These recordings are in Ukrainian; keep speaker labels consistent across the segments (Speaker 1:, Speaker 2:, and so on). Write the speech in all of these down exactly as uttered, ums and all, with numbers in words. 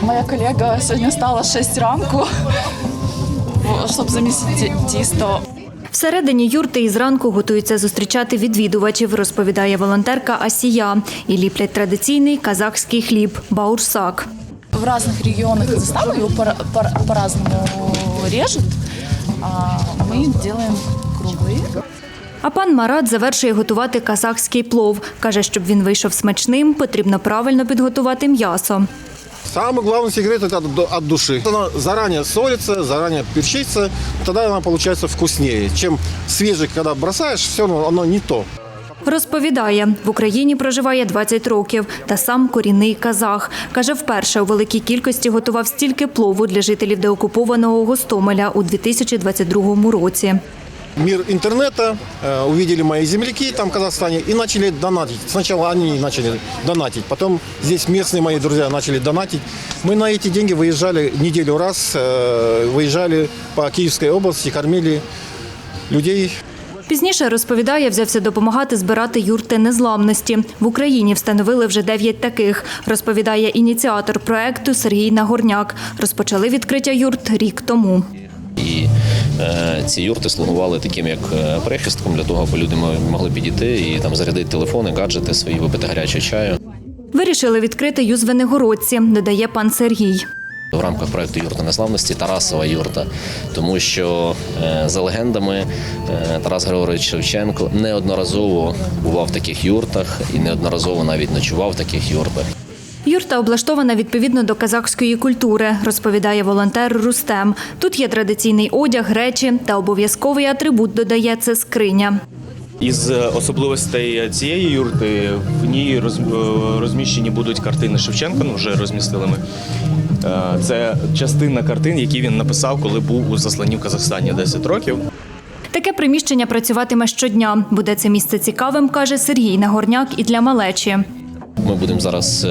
Speaker 1: Моя колега сьогодні встала в шість ранку, щоб замісити тісто.
Speaker 2: Всередині юрти із ранку готуються зустрічати відвідувачів, розповідає волонтерка Асія. І ліплять традиційний казахський хліб – баурсак.
Speaker 1: В різних регіонах Казахстана його по-разному режуть, а ми робимо круглий.
Speaker 2: А пан Марат завершує готувати казахський плов. Каже, щоб він вийшов смачним, потрібно правильно підготувати м'ясо.
Speaker 3: Самый главный секрет – это от души. Она заранее солится, заранее перчится, тогда она получается вкуснее, чем свежий, когда бросаешь, все равно оно не то.
Speaker 2: Розповідає, в Україні проживає двадцять років та сам корінний казах. Каже, вперше у великій кількості готував стільки плову для жителів деокупованого Гостомеля у дві тисячі двадцять другому році.
Speaker 3: Мир интернета, э, увидели мои земляки там в Казахстане и начали донатить. Сначала они начали донатить, потом здесь местные мои друзья начали донатить. Мы на эти деньги выезжали неделю раз, э, выезжали по Киевской области, кормили людей.
Speaker 2: Пізніше, розповідає, взявся допомагати збирати юрти незламності. В Україні встановили вже дев'ять таких, розповідає ініціатор проекту Сергій Нагорняк. Розпочали відкриття юрт рік тому.
Speaker 4: І е, ці юрти слугували таким як прихистком для того, аби люди могли підійти і там зарядити телефони, гаджети свої, випити гарячого чаю.
Speaker 2: Вирішили відкрити й у Звенигородці, додає пан Сергій.
Speaker 4: В рамках проєкту «Юрта незламності» Тарасова юрта, тому що е, за легендами е, Тарас Григорович Шевченко неодноразово бував в таких юртах і неодноразово навіть ночував в таких юртах.
Speaker 2: Юрта облаштована відповідно до казахської культури, розповідає волонтер Рустем. Тут є традиційний одяг, речі та обов'язковий атрибут, додає, це скриня.
Speaker 5: Із особливостей цієї юрти в ній розміщені будуть картини Шевченка, ну вже розмістили ми. Це частина картин, які він написав, коли був у засланні в Казахстані десять років.
Speaker 2: Таке приміщення працюватиме щодня. Буде це місце цікавим, каже Сергій Нагорняк, і для малечі.
Speaker 4: Ми будемо зараз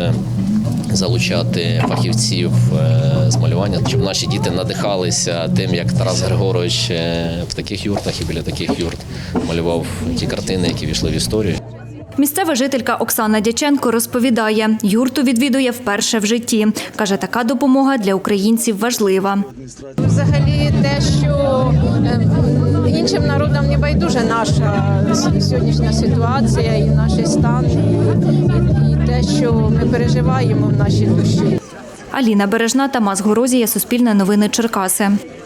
Speaker 4: залучати фахівців з малювання, щоб наші діти надихалися тим, як Тарас Григорович в таких юртах і біля таких юрт малював ті картини, які війшли в історію.
Speaker 2: Місцева жителька Оксана Дяченко розповідає, юрту відвідує вперше в житті. Каже, така допомога для українців важлива.
Speaker 6: Взагалі те, що іншим народам не байдуже наша сьогоднішня ситуація і наш стан, і те, що ми переживаємо в нашій душі.
Speaker 2: Аліна Бережна, Тамас Горозія, Суспільне новини, Черкаси.